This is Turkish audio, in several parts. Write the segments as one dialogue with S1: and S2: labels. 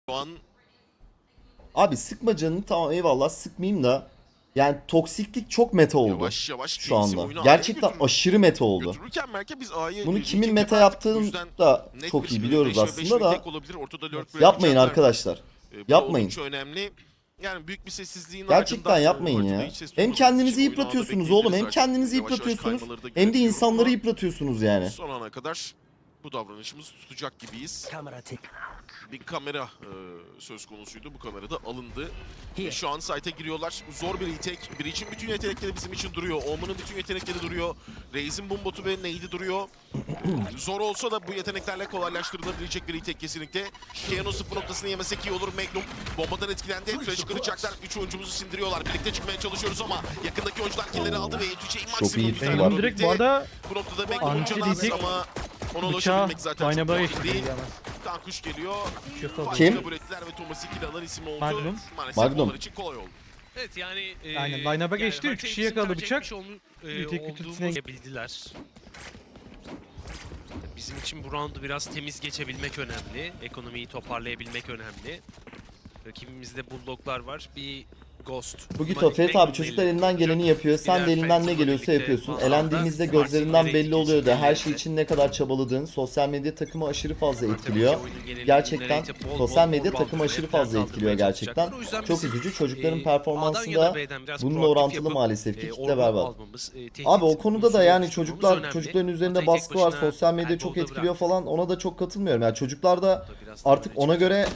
S1: Şu an
S2: Abi sıkma canını, tamam eyvallah, sıkmayayım da yani toksiklik çok meta oldu
S1: yavaş yavaş
S2: şu
S1: Reis'im
S2: anda.
S1: oyunu
S2: Gerçekten
S1: A'ya
S2: aşırı meta oldu.
S1: götürürken Merke biz A'yı
S2: Bunu kimin
S1: retake
S2: meta
S1: yapardık. Bu
S2: yaptığını
S1: yüzden
S2: da
S1: net
S2: çok
S1: bir
S2: iyi biliyoruz
S1: 5 ve 5
S2: aslında da
S1: retake olabilir. Ortada lurk
S2: yapmayın
S1: bırakacaklar.
S2: arkadaşlar.
S1: Bu
S2: Yapmayın.
S1: oldukça önemli. Yani büyük bir sessizliğin
S2: Gerçekten
S1: ardından
S2: yapmayın
S1: haritada
S2: ya.
S1: hiç ses
S2: Hem
S1: duymadığımız
S2: kendinizi
S1: için oyunu A'da
S2: yıpratıyorsunuz oğlum. Hem
S1: bekleyebiliriz artık.
S2: kendinizi
S1: Yavaş yavaş
S2: yıpratıyorsunuz.
S1: kaymaları da
S2: Hem de
S1: görebiliyoruz
S2: insanları
S1: ama
S2: yıpratıyorsunuz yani.
S1: son ana kadar bu davranışımızı tutacak gibiyiz. Bir kamera söz konusuydu. Bu kamera da alındı. Şu an site'e giriyorlar. Zor bir retake. Biri için bütün yetenekleri bizim için duruyor. Omen'ın bütün yetenekleri duruyor. Raze'in bombotu ve Nade'i duruyor. Zor olsa da bu yeteneklerle kolaylaştırılabilecek bir retake kesinlikle. Keanu sıfır noktasını yemesek iyi olur. Magnum bombadan etkilendi. Flash'ı kıracaklar. 3 oyuncumuzu sindiriyorlar. Birlikte çıkmaya çalışıyoruz ama yakındaki oyuncular killleri aldı ve Yetüce'yi
S2: Çok
S1: maksimum
S2: iyi
S1: bir tane
S2: tuttular.
S1: vurdu.
S3: Direkt bu arada
S1: Bu noktada Magnum
S3: anti
S1: canı az
S3: retake
S1: ama ona
S3: bıçağı
S1: ulaşabilmek zaten çok
S3: Dynaboy'a
S1: mümkün
S3: geçti
S1: değil.
S3: yani.
S1: Kankuş geliyor.
S2: Kim?
S1: Kabul ettiler ve Thomas'ı kill alan isim oldu.
S3: Magnum.
S1: Maalesef
S2: Magnum.
S1: onlar için kolay oldu.
S4: Evet yani
S3: Aynen, line-up'a geçti, üç
S4: haritayı
S3: kişi yakaladı
S4: tercih
S3: bıçak.
S4: etmiş
S3: Retake kötüsüne
S4: olduğumuzu bildiler. Bizim için bu roundu biraz temiz geçebilmek önemli. Ekonomiyi toparlayabilmek önemli. Rakibimizde bulldoglar var. Bir Ghost.
S2: Bu Gito, Ferit abi çocuklar elinden geleni yapıyor. Sen de elinden ne geliyorsa yapıyorsun. Elendiğimizde gözlerinden belli oluyor da her şey için ne kadar çabaladığın. Sosyal medya takımı aşırı fazla etkiliyor. Gerçekten sosyal medya takımı aşırı fazla etkiliyor gerçekten. Çok üzücü. Çocukların performansı da bununla orantılı maalesef ki kitle berbat. Abi o konuda da yani çocukların üzerinde baskı var. Sosyal medya çok etkiliyor falan. Ona da çok katılmıyorum. Yani çocuklar da artık ona göre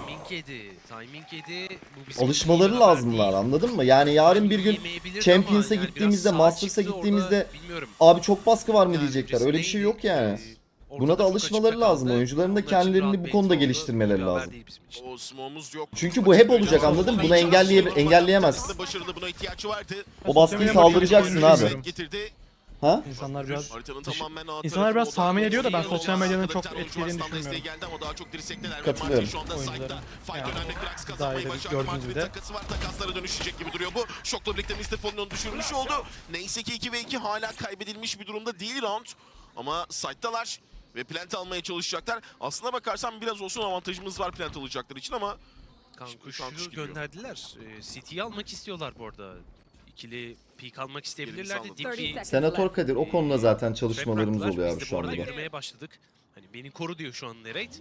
S4: Timing yedi. Bu bizim
S2: alışmaları
S4: iyi haber
S2: lazımlar,
S4: değil.
S2: anladın mı? Yani yarın bir gün
S4: Yemeyebilirdi
S2: Champions'a
S4: ama yani
S2: gittiğimizde,
S4: biraz sağa
S2: Masters'a
S4: çıktı
S2: gittiğimizde
S4: orada, bilmiyorum.
S2: abi çok baskı var mı
S4: Yani
S2: diyecekler. Öyle bir şey yok yani.
S4: ortada
S2: Buna da
S4: çok
S2: alışmaları
S4: açıkta
S2: lazım.
S4: kaldı.
S2: Oyuncuların da
S4: Onlar için
S2: kendilerini
S4: rahat
S2: bu konuda
S4: bir oldu.
S2: geliştirmeleri
S4: İyi bir haber
S2: lazım.
S4: değil bizim için.
S1: O smoke'umuz yok.
S2: Çünkü bu hep olacak, anladın mı? Buna engelleyemez.
S1: Başarılı, buna ihtiyaç vardı.
S2: O baskıyı
S3: Muhtemelen
S2: kaldıracaksın
S3: başarılı
S2: abi.
S1: Getirdi.
S2: Ha?
S3: İnsanlar biraz
S1: Haritanın tamamen A
S3: İnsanlar biraz
S1: tarafı
S3: tahmin
S1: odaklı.
S3: ediyor da ben
S1: Yeni
S3: sosyal
S1: olan
S3: medyanın çok
S1: arkadaşlar
S3: etkilediğini
S1: oyuncular stand
S3: düşünmüyorum.
S1: desteği geldi ama daha çok dirsekteler ve
S2: Katılıyorum.
S1: Martin şu anda
S3: Oyuncuların,
S1: side'da. Fight
S3: yani,
S1: önemli. Krax
S3: daire
S1: kazanmayı başardı. Martin'in
S3: gördüğünüzde.
S1: takası var. Takaslara dönüşecek gibi duruyor bu. Şokla birlikte Mr. Fallen onu düşürmüş oldu. Neyse ki 2 ve 2 hala kaybedilmiş bir durumda değil round. Ama side'dalar ve plant almaya çalışacaklar. Aslına bakarsan biraz olsun avantajımız var plant alacaklar için ama Kankuş
S4: Kankuş'u
S1: gidiyor.
S4: gönderdiler. City'yi almak istiyorlar bu arada. İkili peak almak isteyebilirlerdi.
S1: Birini
S4: Dipi
S2: Senatör Kadir, o konuda zaten çalışmalarımız oluyor abi şu anda.
S4: Biz de bu arada yürümeye başladık. Hani beni koru diyor şu an Nerate.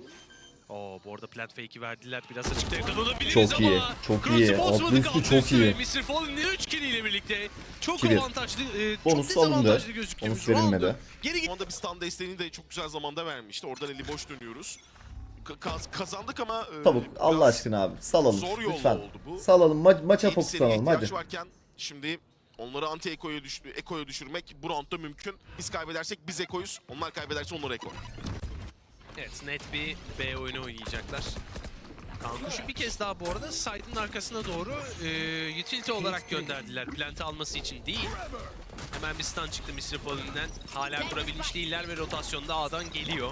S4: Bu arada plant fake'i verdiler. Biraz açıkta yakalanabiliriz
S2: Çok
S4: ama
S2: iyi, çok
S4: Cross'u
S2: iyi.
S4: bozmadık
S2: Altlı üstü
S4: altı
S2: çok iyi.
S4: Mr. Fallen'ın 3 kill ile birlikte çok
S2: 2-1.
S4: avantajlı,
S2: Bonus
S4: çok
S2: alındı.
S4: dezavantajlı gözüktüğümüz
S2: Bonus verilmedi.
S4: roundu geri
S1: şu anda bir stand desteğini de çok güzel zamanda vermişti. Oradan eli boş dönüyoruz. Kazandık ama
S2: Tavuk Allah
S1: biraz
S2: aşkına abi salalım
S1: zor yolda
S2: lütfen.
S1: oldu bu.
S2: Salalım, maça
S1: İyi bir seriye
S2: fokuslanalım hadi.
S1: ihtiyaç varken şimdi onları anti ekoya düşürmek bu roundda mümkün. Biz kaybedersek biz ekoyuz. Onlar kaybederse onlar eko.
S4: Evet, net bir B oyunu oynayacaklar. Kankuş'u bir kez daha bu arada side'ın arkasına doğru utility olarak gönderdiler. Plant'i alması için değil. Hemen bir stun çıktı Mr. Fallen'den. Hala kurabilmiş değiller ve rotasyonda A'dan geliyor.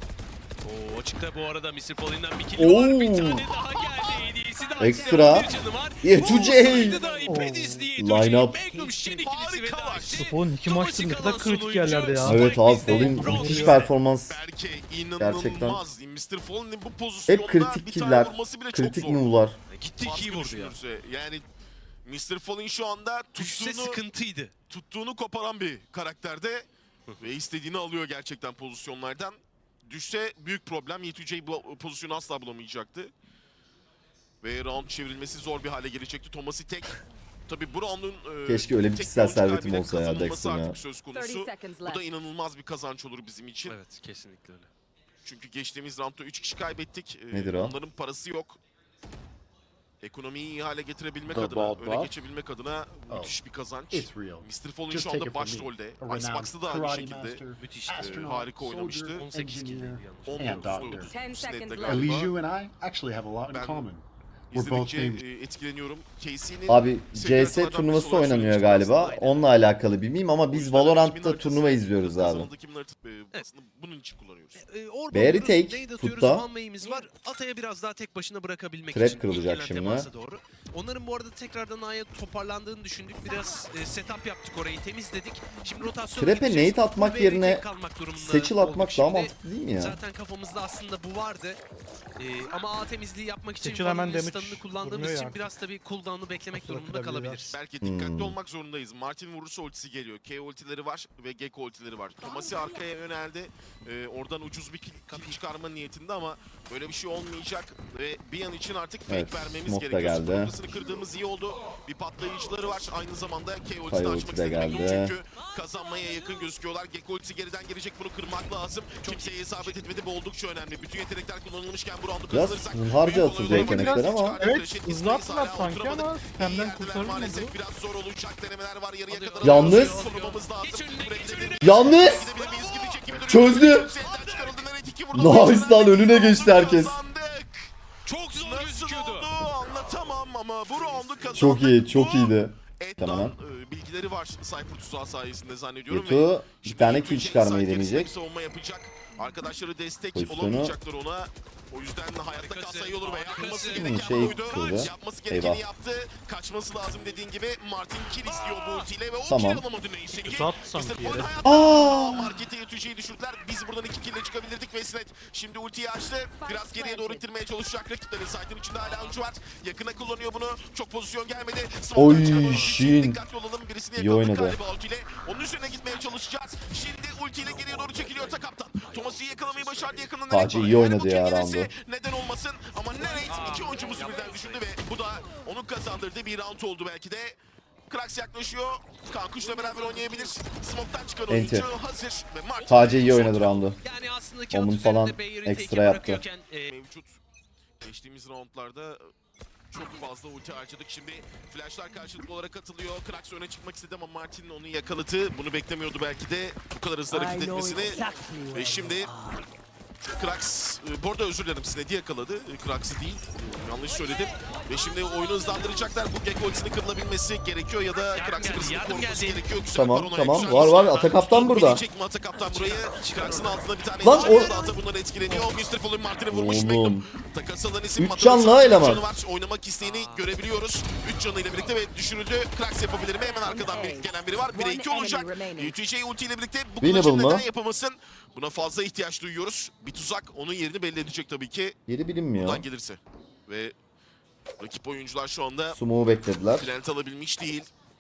S4: Açıkta bu arada Mr. Fallen'den bir kill var. Bir tane daha geldi. AD'si daha
S2: Ekstra.
S4: bir canı var.
S2: Yetüce'yi.
S4: Line
S2: up.
S4: Magnum Shin ikilisi ve daha
S3: Futbolun iki maçtır ne kadar kritik yerlerde ya.
S2: Evet abi, Fallen müthiş performans.
S1: Berke
S2: Gerçekten.
S1: inanılmaz. Mr. Fallen'in bu pozisyonda
S2: Hep kritik
S1: bir tane
S2: killer,
S1: vurması bile
S2: kritik
S1: çok zor.
S2: move'lar.
S4: Gitti
S1: Baskı
S4: iyi vurdu ya.
S1: düşünürse. Yani Mr. Fallen şu anda
S4: Düşse sıkıntıydı.
S1: tuttuğunu koparan bir karakterde ve istediğini alıyor gerçekten pozisyonlardan. Düşse büyük problem. Yetüce'yi bu pozisyonu asla bulamayacaktı. Ve round çevrilmesi zor bir hale gelecekti. Thomas'ı tek. Tabii bu round'un
S2: Keşke öyle bir
S1: tek
S2: kişisel
S1: oyuncu
S2: servetim
S1: kaybıyla
S2: olsa ya
S1: kazanılması
S2: Dex'in ya.
S1: artık söz konusu. Bu da inanılmaz bir kazanç olur bizim için.
S4: Evet, kesinlikle öyle.
S1: Çünkü geçtiğimiz roundda 3 kişi kaybettik.
S2: Nedir o?
S1: Onların parası yok. Ekonomiyi iyi hale getirebilmek
S5: The
S1: adına,
S5: ball
S1: öne
S5: buff?
S1: geçebilmek adına müthiş bir kazanç.
S5: It's real.
S1: Mr. Fallen
S5: Just
S1: şu
S5: take
S1: anda
S5: it from me.
S1: başrolde.
S5: A renowned
S1: Icebox'ta da aynı
S5: karate
S1: şekilde
S5: master,
S4: Müthiş.
S5: astronaut,
S1: harika oynamıştı.
S5: soldier,
S4: 18 kill
S5: engineer,
S4: yanlış.
S5: and doctor.
S1: 19'du.
S6: 10 seconds
S1: Snap'te
S6: left.
S1: galiba.
S5: Elijah and I actually have a lot in
S1: Ben-
S5: common.
S1: İzledikçe etkileniyorum. KC'nin
S2: Abi
S1: sevgili
S2: CS
S1: haritalardan
S2: turnuvası
S1: birisi olarak
S2: oynanıyor
S1: söylemiştim
S2: galiba.
S1: aslında.
S2: Onunla alakalı bir meme ama
S1: O
S2: biz
S1: yüzden
S2: Valorant'ta
S1: kimin
S2: turnuva
S1: haritası,
S2: izliyoruz abi.
S1: kazanıldı, kimin haritası, aslında bunun için kullanıyoruz.
S2: Barry take, Foot'ta.
S4: var. Ataya biraz daha tek başına bırakabilmek
S2: Trap
S4: için.
S2: kırılacak
S4: İlk gelen
S2: şimdi.
S4: temasa doğru. Onların bu arada tekrardan A'ya toparlandığını düşündük. Biraz setup yaptık, orayı temizledik. Şimdi rotasyona
S2: Trap'e
S4: gideceğiz.
S2: nade atmak
S4: Barry
S2: yerine
S4: take kalmak durumunda
S2: Seçil
S4: olduk
S2: atmak
S4: şimdi.
S2: daha mantıklı değil mi ya?
S4: Zaten kafamızda aslında bu vardı. Ama A temizliği yapmak için
S3: Seçil hemen
S4: Vanilla'nın
S3: damage
S4: stun'ını kullandığımız
S3: vurmuyor
S4: için
S3: ya.
S4: biraz tabii cooldown'u beklemek
S3: Aslında
S4: durumunda
S3: kırabilirler.
S4: kalabiliriz.
S1: Belki dikkatli olmak zorundayız. Martin vurursa ultisi geliyor. K ultileri var ve Gekko ultileri var. Tomasi arkaya yöneldi. Oradan ucuz bir kill çıkarma niyetinde ama böyle bir şey olmayacak ve bir an için artık fake
S2: Evet,
S1: vermemiz
S2: smoke da
S1: gerekiyor.
S2: geldi.
S1: Skor noktasını kırdığımız iyi oldu. Bir patlayıcıları var. Aynı zamanda K ultisini
S2: Kaya
S1: açmak
S2: ulti de
S1: istediğim
S2: geldi.
S1: çünkü kazanmaya yakın gözüküyorlar. Gekko ultisi geriden gelecek. Bunu kırmak lazım. Kimseye isabet etmedi. Bu oldukça önemli. Bütün yetenekler kullanılmışken bu roundu
S2: Biraz
S1: kazanırsak
S2: hunharca
S1: büyük
S2: atıldı
S1: olay
S2: yetenekler
S1: olabilir.
S2: ama
S3: Evet, hızlı attılar sanki ama
S1: İyi
S3: Fem'den
S1: yerdeler
S3: kurtarılmadı.
S1: maalesef. Biraz zor olacak denemeler var. Yarıya kadar
S2: Yalnız-
S1: alıyoruz. Konumamız lazım.
S4: Geç önüne,
S1: Buraya
S4: geç
S1: gidelim.
S4: önüne.
S2: Yalnız
S1: Gidebilir miyiz? Gidecek gibi duruyor.
S2: Çözdü.
S1: Elden çıkarıldı. Nereye iki vurdu?
S2: Nice lan, önüne geçti herkes.
S1: Kazandık.
S4: Çok zor
S1: Nasıl
S4: gözüküyordu.
S1: oldu anlatamam ama bu roundu kazandık.
S2: çok iyi, çok
S1: Bu
S2: iyiydi.
S1: Etnan
S2: Tamam.
S1: bilgileri var Cypher tuzağı sayesinde zannediyorum.
S2: Yetu
S1: ve
S2: bir
S1: şimdi
S2: tane
S1: ilk
S2: kill
S1: önce
S2: çıkarmayı
S1: inside
S2: deneyecek.
S1: gerisinde bir savunma yapacak. Arkadaşları destek
S2: Pozisyonu-
S1: olamayacaklar ona. O yüzden hayatta
S4: Harikasın,
S1: kalsa iyi olur ve yapması
S4: harikasın.
S1: gereken
S2: şey
S1: buydu.
S2: kırdı.
S1: Yapması gerekeni
S2: Eyvah.
S1: yaptı. Kaçması lazım dediğin gibi. Martin kill istiyor bu ultiyle ve o
S2: Tamam.
S1: kill alamadı neyse ki.
S3: Zat sanki
S1: Mr.
S3: yere.
S1: Paul hayatta
S2: Aa!
S1: markete yetişeyi düşürdüler. Biz buradan 2 kille çıkabilirdik ve Sinet şimdi ultiyi açtı. Biraz geriye doğru ittirmeye çalışacak rakipleri. Site'ın içinde hala oyuncu var. Yakına kullanıyor bunu. Çok pozisyon gelmedi.
S2: Oy,
S1: Smoke'tan çıkan oyuncu.
S2: Shin.
S1: Dikkatli olalım. Birisini
S2: İyi
S1: yakaladık
S2: oynadı.
S1: galiba ultiyle. Onun üzerine gitmeye çalışacağız. Şimdi ultiyle geriye doğru çekiliyor kaptan. Thomas'ı yakalamayı başardı yakından.
S2: Taci iyi oynadı ya roundu.
S1: Neden olmasın ama Nerate iki oyuncumuzu birden düşürdü ve bu da onun kazandırdığı bir round oldu belki de. Krax yaklaşıyor. Kankuş'la beraber oynayabilir. Smoke'tan çıkan
S2: Enti.
S1: oyuncu hazır ve Martin
S2: Taci iyi oynadı roundu.
S4: Yani aslında
S2: Onun
S4: kağıt
S2: falan
S4: üzerinde Bayer'i
S2: ekstra
S4: teke
S2: yaptı.
S4: bırakıyorken
S1: mevcut. Geçtiğimiz roundlarda çok fazla ulti harcadık. Şimdi flashlar karşılıklı olarak atılıyor. Krax öne çıkmak istedi ama Martin onu yakaladı. Bunu beklemiyordu belki de bu kadar hızlı hareket etmesini. Ve şimdi Krax, bu arada özür dilerim, Sned'i yakaladı. Krax'ı değil, yanlış söyledim. Ve şimdi oyunu hızlandıracaklar. Bu Gekko ultisinin kırılabilmesi gerekiyor ya da Krax'ın birisinin
S4: yardım
S1: korunması
S4: geldi.
S1: gerekiyor. Güzel
S2: Tamam,
S1: paranoya,
S2: tamam.
S1: güzel
S2: Var, var.
S1: güzel.
S2: Atakaptan burada.
S1: Bilecek mi Atakaptan burayı? Krax'ın altında bir tane
S2: Lan
S1: elçi
S2: o-
S1: Ata bundan etkileniyor. Mr. Paul'un Martin'i vurmuş.
S2: Oğlum.
S1: Magnum takas alan isim.
S2: Üç
S1: Matan'ın
S2: canlı
S1: sadece
S2: eleman.
S1: üç canı var. Oynamak isteyeni görebiliyoruz. 3 canıyla birlikte ve düşürüldü. Krax yapabilir mi? Hemen arkadan bir gelen biri var. 1'e 2 olacak. UTC ultiyle birlikte bu
S2: Winnable
S1: kılıcı
S2: mı?
S1: neden yapamasın? Buna fazla ihtiyaç duyuyoruz. Bir tuzak onun yerini belli edecek tabii ki.
S2: Yeri bilinmiyor.
S1: Buradan gelirse. Ve rakip oyuncular şu anda
S2: Smoke'u beklediler.
S1: plant alabilmiş değil.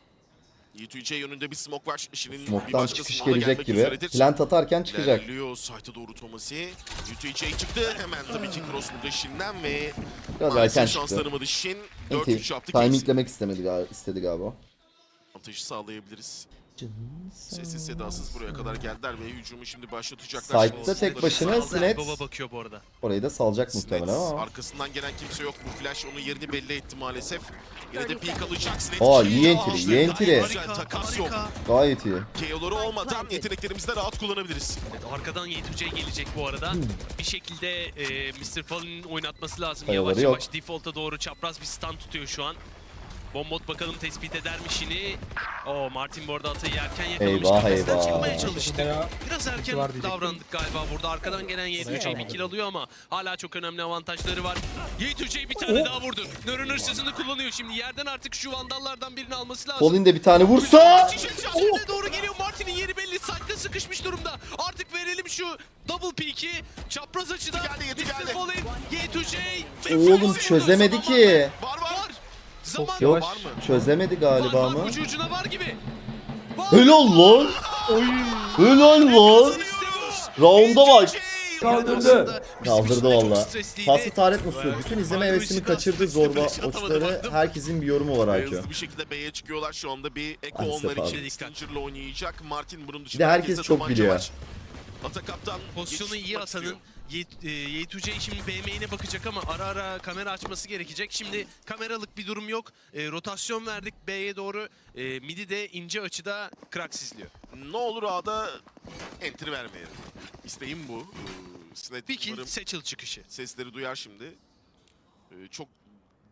S1: UTC yönünde bir smoke var. Şimdi bir
S2: Smoke'tan
S1: başka
S2: çıkış
S1: smoke'a
S2: gelecek
S1: gelmek
S2: gibi.
S1: üzeredir.
S2: Plant atarken çıkacak.
S1: İlerliyor site'a doğru Tomasi. UTC çıktı. Hemen tabii ki cross burada Shin'den ve
S2: Biraz
S1: maalesef
S2: erken çıktı.
S1: şanslanamadı Shin.
S2: Enti
S1: 4-3 yaptı.
S2: timinglemek istedi galiba.
S1: Avantajı sağlayabiliriz. Sessiz sedasız buraya kadar geldiler ve hücumu şimdi başlatacaklar.
S2: Side'da tek başına
S4: Sağda
S2: Sinet
S4: Baba bakıyor bu arada.
S2: orayı da salacak
S1: Sinet,
S2: muhtemelen ama.
S1: arkasından gelen kimse yok. Bu flash onun yerini belli etti maalesef. Yine de peek alacak Sinet.
S2: Aa,
S1: Ki-
S2: iyi entry, iyi entry.
S1: Güzel, takas yok.
S2: Gayet iyi.
S1: KO'ları olmadan yeteneklerimizi de rahat kullanabiliriz.
S4: Evet, arkadan Y2C gelecek bu arada. Bir şekilde Mr. Fallen'in oynatması lazım.
S2: Kayaları
S4: Yavaş
S2: yok.
S4: yavaş default'a doğru çapraz bir stun tutuyor şu an. Bombot bakalım tespit eder mi Shin'i? Oo, Martin bu arada atayı erken yakalamış.
S2: Eyvah,
S4: Kafesten
S2: eyvah.
S4: çıkmaya çalıştık.
S3: Ya,
S4: Biraz
S3: var
S4: erken
S3: diyecektim.
S4: davrandık galiba burada. Arkadan gelen Y2C bir kill alıyor ama hala çok önemli avantajları var. Y2C bir tane daha vurdu. Nörün hırsızını kullanıyor şimdi. Yerden artık şu vandallardan birini alması lazım.
S2: Colin de bir tane vursa.
S4: Şişe doğru geliyor. Martin'in yeri belli. Site'de sıkışmış durumda. Artık verelim şu double peek'i. Çapraz açıdan.
S1: Geldi, geldi.
S4: Mr. Fallen, Y2J.
S2: Oğlum çözemedi ki.
S1: Var var.
S4: Zaman
S2: Yok
S1: Var mı?
S2: çözemedi galiba
S4: var,
S2: mı?
S4: ucu ucuna var gibi. Var.
S2: Helal lan. Helal lan. Round'a bak.
S4: Kaldırdı.
S2: Kaldırdı valla. Paslı taharet musluğu. Bütün izleme hevesimi kaçırdı zorba uçları. Herkesin bir yorumu var IQ.
S1: Hızlı bir şekilde B'ye çıkıyorlar şu anda. Bir Eko
S2: Maalesef
S1: onlar için
S2: abi.
S1: Stinger'la oynayacak. Martin bunun
S2: Bir
S1: dışında
S2: de herkes
S1: herkeste
S2: çok
S1: tabanca
S2: biliyor.
S1: var. Atakaptan
S4: Pozisyonu iyi atanın Y2C şimdi BM'ine bakacak ama ara ara kamera açması gerekecek. Şimdi kameralık bir durum yok. Rotasyon verdik B'ye doğru. Midi de ince açıda Krax izliyor.
S1: Ne olur A'da enter vermeyelim. İsteğim bu. Sinet
S4: Bir kill
S1: umarım
S4: Satchel çıkışı.
S1: sesleri duyar şimdi. Çok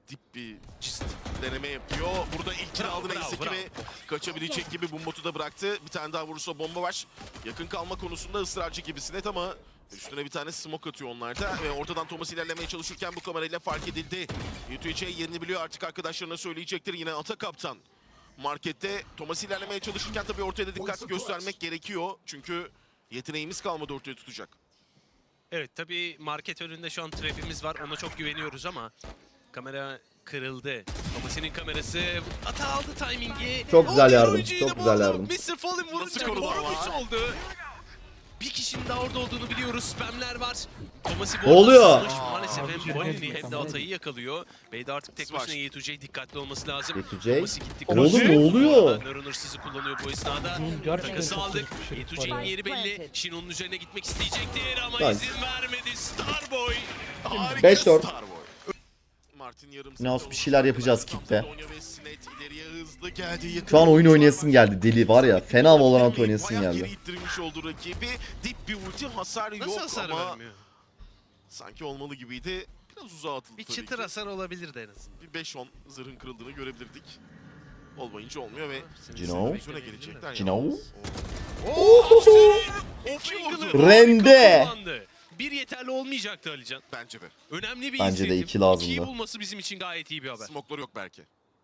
S1: dip bir deneme yapıyor. Burada ilkini aldı neyse ki ve kaçabilecek gibi bombotu da bıraktı. Bir tane daha vurursa bomba var. Yakın kalma konusunda ısrarcı gibisin net ama üstüne bir tane smoke atıyor onlarda ve ortadan Thomas ilerlemeye çalışırken bu kamerayla fark edildi. UTC yerini biliyor, artık arkadaşlarına söyleyecektir. Yine ata kaptan markette Thomas ilerlemeye çalışırken tabii ortaya da dikkat göstermek gerekiyor. Çünkü yeteneğimiz kalmadı ortaya tutacak.
S4: Evet tabii market önünde şu an trap'imiz var. Ona çok güveniyoruz ama kamera kırıldı. Thomas'ın kamerası ata aldı timingi.
S2: Çok güzel yardım,
S4: Oyuncuyu
S2: çok
S4: da
S2: güzel
S4: buldu.
S2: yardım.
S4: Mr. Fallen
S1: Nasıl
S4: vurunca
S1: korudu ama?
S4: korumuş oldu. Bir kişinin daha orada olduğunu biliyoruz. Spamler var. Thomas'ı
S2: Ne oluyor?
S4: Maalesef hem
S3: Abi,
S4: Bonnie'ni hem de
S3: tamam.
S4: Atay'ı yakalıyor. Beyde artık tek
S1: Var.
S4: başına Y2J dikkatli olması lazım.
S2: Y2J?
S4: Thomas'ı gitti.
S2: Oğlum ne oluyor?
S4: Neuron hırsızı kullanıyor bu esnada.
S3: Gerçekten
S4: Takası
S3: çok
S4: aldık.
S3: tehlikeli bir şey
S4: Y2J'nin
S3: var ya.
S4: yeri belli. Shinon'un üzerine gitmek isteyecektir ama
S2: Nice.
S4: izin vermedi. Starboy.
S1: Harika
S2: 5-4.
S1: Starboy. Martin yarım
S2: Nasıl bir şeyler yapacağız kickte.
S1: Donya ve Sinet ileriye hızlı geldi.
S2: Şu an oyun oynayasım geldi, deli var ya. Fena Valorant oynayasım
S1: Bayağı
S2: geldi.
S1: geri ittirmiş oldu rakibi. Dip bir ulti, hasar
S4: Nasıl
S1: yok
S4: hasar
S1: ama
S4: vermiyor?
S1: sanki olmalı gibiydi. Biraz uzağa atıldı
S4: Bir
S1: tabii
S4: çıtır
S1: ki.
S4: hasar olabilirdi en azından.
S1: Bir 5-10 zırhın kırıldığını görebilirdik. Olmayınca olmuyor ve
S2: Cino?
S1: Zona gelecekler.
S2: Cino?
S4: Rende.
S2: Rende.
S4: Bir yeterli olmayacaktı Alican.
S1: Bence de.
S4: Önemli bir
S2: Bence de
S4: inisiyatif.
S2: iki lazımdı.
S4: İkiyi bulması bizim için gayet iyi bir haber.
S1: Smokları yok belki.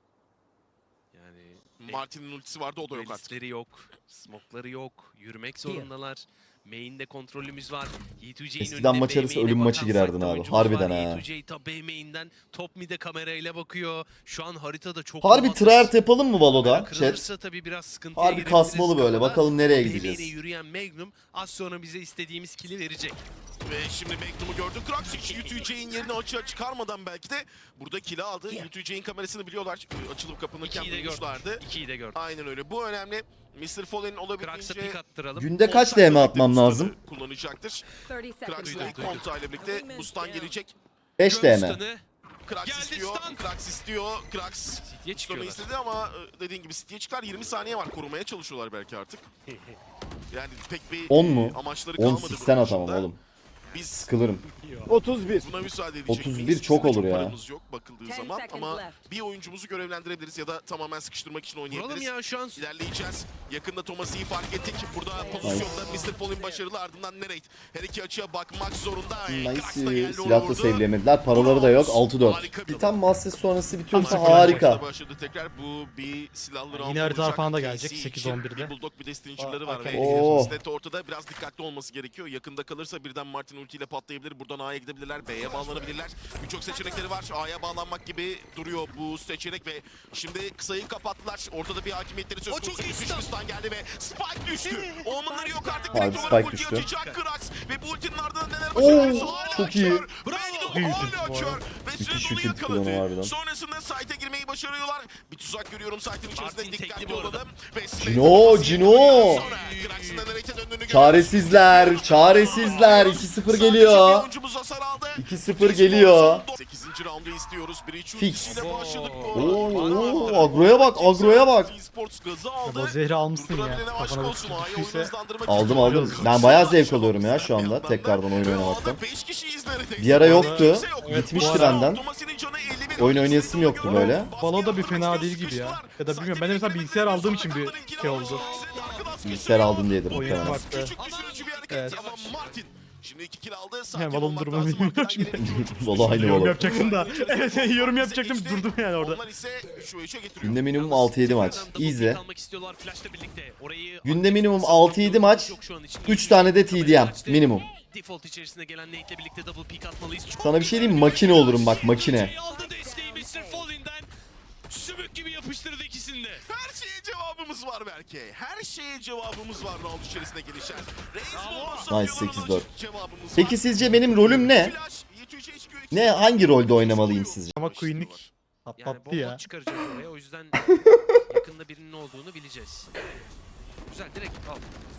S4: Yani
S1: Martin'in ultisi vardı, o da yok artık.
S4: duelistleri yok, smokları yok, yürümek zorundalar. Main'de kontrolümüz var. Y2J'nin
S2: Eskiden maç arası ölüm maçı girerdin abi. Harbiden ha.
S4: Y2J ta B main'den top mid'e kamerayla bakıyor. Şu an haritada çok
S2: Harbi
S4: rahatız.
S2: tryhard yapalım mı Valo'da?
S4: Kamera
S2: Chat.
S4: kırılırsa tabii biraz sıkıntıya
S2: Harbi
S4: girebiliriz
S2: kasmalı böyle.
S4: kamerada.
S2: Bakalım nereye
S4: B
S2: gideceğiz.
S4: main'e yürüyen Magnum az sonra bize istediğimiz kill'i verecek.
S1: Ve şimdi Magnum'u gördük. Kraxix UTC'nin yerini açığa çıkarmadan belki de burada kill'i aldı. UTC'nin kamerasını biliyorlar. Açılıp kapanırken
S4: İkiyi de gördük.
S1: bulmuşlardı.
S4: İkiyi de gördük.
S1: Aynen öyle. Bu önemli. Mr. Fallen'in
S4: Krax'a
S1: olabildiğince
S4: pik attıralım.
S2: Günde kaç DM atmam lazım?
S1: kullanacaktır.
S5: 30 seconds
S1: Krax
S4: Duydum,
S1: ilk
S5: left.
S1: konta ile birlikte boost'tan gelecek.
S2: 5 DM.
S4: Stun'ı
S1: Krax
S4: Geldi
S1: istiyor.
S4: stun.
S1: Krax istiyor. Krax
S4: City'ye
S1: Stun'u
S4: çıkıyorlar.
S1: istedi ama dediğin gibi City'ye çıkar. 20 saniye var. Korumaya çalışıyorlar belki artık. Yani pek bir
S2: 10 mu?
S1: amaçları
S2: 10
S1: kalmadı.
S2: siksen
S1: bunun
S2: atamam
S1: dışında.
S2: oğlum.
S1: Biz
S2: Sıkılırım.
S3: 31.
S1: buna müsaade edecek
S2: 31
S1: miyiz?
S2: çok
S1: Bizim de
S2: olur ya.
S1: paramız yok bakıldığı
S5: 10
S1: zaman
S5: seconds
S1: ama
S5: left.
S1: bir oyuncumuzu görevlendirebiliriz ya da tamamen sıkıştırmak için
S4: Vuralım
S1: oynayabiliriz.
S4: ya şu an.
S1: İlerleyeceğiz. Yakında Thomas'ı iyi fark ettik. Burada pozisyonda Mr. Fallen başarılı, ardından Nerate. Her iki açıya bakmak zorunda. Krax da
S2: Nice.
S1: geldi,
S2: Silah da
S1: onu vurdu.
S2: save'lemediler. Paraları da yok. 6-4.
S1: Harika bir-
S2: Titan Masters sonrası bitiyorsa
S1: Ama
S2: harika.
S1: başladı tekrar. Bu bir silahlı round
S3: Yine haritalar
S1: olacak.
S3: falan da
S1: KC,
S3: gelecek,
S1: iki,
S3: 8-11'de.
S1: Bir Bulldog bir de Stinger'ları var.
S3: Arkaya
S1: Ve
S2: Oo.
S1: Snet ortada, biraz dikkatli olması gerekiyor. Yakında kalırsa birden Martin ultiyle patlayabilir. Buradan A'ya gidebilirler. B'ye bağlanabilirler. Birçok seçenekleri var. A'ya bağlanmak gibi duruyor bu seçenek ve şimdi kısayı kapattılar. Ortada bir hakimiyetleri söz
S4: O çok
S1: konusu.
S4: iyi
S1: Düşmüş stun geldi ve Spike düştü. Omanları yok artık.
S2: Harbi
S1: Direkt olarak
S2: Spike
S1: ulti
S2: düştü.
S1: açacak Krax ve bu ultinin ardından neler
S2: Oo,
S1: başarıyoruz. Hala
S2: çok iyi.
S1: kör. Magnum hala
S3: bu
S1: kör.
S3: arada.
S1: Ve
S2: Müthiş
S1: süre dolu
S2: utility kullanımı harbiden.
S1: yakaladı. Sonrasında site'e girmeyi başarıyorlar. Bir tuzak görüyorum site'in içerisinde,
S4: Martin tekli
S1: dikkatli
S4: bu arada.
S1: olalım. Ve
S2: Cino, Cino.
S1: Sonra Krax'ın da Nareit'e döndüğünü görüyoruz.
S2: Çaresizler, çaresizler. 2-0
S1: Sadece
S2: geliyor.
S1: bir oyuncumuz hasar aldı.
S2: 2-0 geliyor.
S1: 8. roundu istiyoruz. Bir iç
S2: Fix.
S1: ultisiyle başladık bu
S2: Oo,
S1: arada.
S2: agroya bak, agroya bak.
S1: Esports gazı
S3: Ya
S1: aldı.
S3: bu zehri almışsın ya.
S1: Durdurabilene aşk
S3: Kafana
S1: olsun.
S3: bir
S1: A'ya oyunu
S3: düştüyse.
S1: hızlandırmak
S2: Aldım
S1: için
S2: aldım.
S1: oynuyoruz.
S2: Ben bayağı zevk alıyorum ya
S1: Bir
S2: şu anda
S1: yandan da.
S2: tekrardan oyun
S1: Ve
S2: oynamaktan.
S1: A'da 5 kişiyiz neredeyse.
S2: Bir ara
S1: A'da
S2: yoktu.
S1: kimse yok.
S2: Bitmişti
S1: Bu arada
S2: benden.
S1: Thomas'ın canı 51.
S2: Oyun oynayasım yoktu böyle.
S3: Valo da bir fena değil gibi ya. Ya da bilmiyorum, ben de mesela bilgisayar aldığım için bir şey oldu.
S2: Bilgisayar aldın diyedir
S3: Oyun
S2: muhtemelen.
S3: farklı.
S1: Küçük düşürücü bir hareket
S3: Evet.
S1: ama Martin şimdi 2 kill aldı.
S3: He,
S1: Sakin
S3: Valo'nun
S1: olmak
S3: durumunu
S1: lazım.
S3: bilmiyorum
S1: Arkadan
S3: şimdi.
S1: gelen iki oyuncumuz
S2: Valo aynı
S3: Yorum
S2: Valo.
S3: yapacaktım da. Evet, yorum yapacaktım, durdum yani orada.
S1: Onlar ise şu işe getiriyor.
S2: Günde minimum 6-7 maç. Easy.
S4: Almak istiyorlar flash'la birlikte. Orayı
S2: Günde minimum 6-7 maç.
S4: Yok şu an için.
S2: 3 tane de TDM minimum.
S4: Default içerisinde gelen Nate'le birlikte double pick atmalıyız. Çok
S2: Sana bir şey diyeyim mi? Makine olurum bak, makine.
S4: Aldı desteği Mr. Fallen'den. Sümük gibi yapıştırdı ikisini de.
S1: Her şeye cevabımız var belki. Her şeye cevabımız var round içerisinde gelişen. Reis bombası
S2: Nice,
S1: atıyorlar,
S2: 8-4.
S1: ona cevabımız var.
S2: Peki sizce benim rolüm ne?
S1: Flash, Y2J çıkıyor,
S2: Ne, hangi rolde oynamalıyım sizce?
S3: Ama Queen'lik
S4: Yani
S3: patlattı ya.
S4: bomba çıkaracağız oraya. O yüzden yakında birinin olduğunu bileceğiz. Güzel direkt al.